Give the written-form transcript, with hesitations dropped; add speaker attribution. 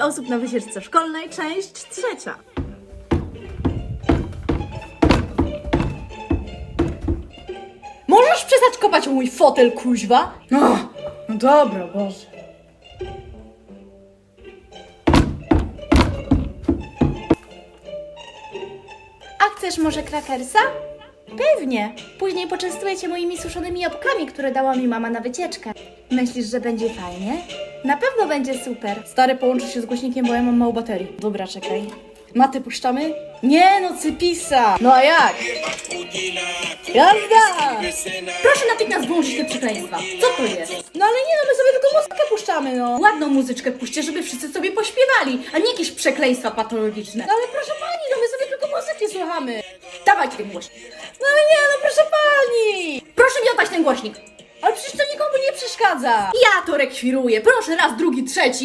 Speaker 1: osób na wycieczce szkolnej, część 3.
Speaker 2: Możesz przestać kopać o mój fotel, kuźwa? No dobra, Boże.
Speaker 3: A chcesz może krakersa? Pewnie. Później poczęstuję cię moimi suszonymi jabłkami, które dała mi mama na wycieczkę. Myślisz, że będzie fajnie? Na pewno będzie super.
Speaker 2: Stary, połączy się z głośnikiem, bo ja mam mało baterii. Dobra, czekaj. Matę puszczamy? Nie no, cypisa! No a jak? Jazda!
Speaker 3: Proszę natychmiast wyłączyć te przekleństwa. Co to jest?
Speaker 2: No ale nie no, my sobie tylko muzykę puszczamy, no.
Speaker 3: Ładną muzyczkę puśćcie, żeby wszyscy sobie pośpiewali, a nie jakieś przekleństwa patologiczne.
Speaker 2: No ale proszę pani, no my sobie tylko muzyki słuchamy.
Speaker 3: Dawajcie ten głośnik.
Speaker 2: No ale nie no, proszę pani!
Speaker 3: Proszę mi oddać ten głośnik.
Speaker 2: Ale przecież to nikomu nie przeszkadza.
Speaker 3: Ja to rekwiruję. Proszę raz, drugi, trzeci.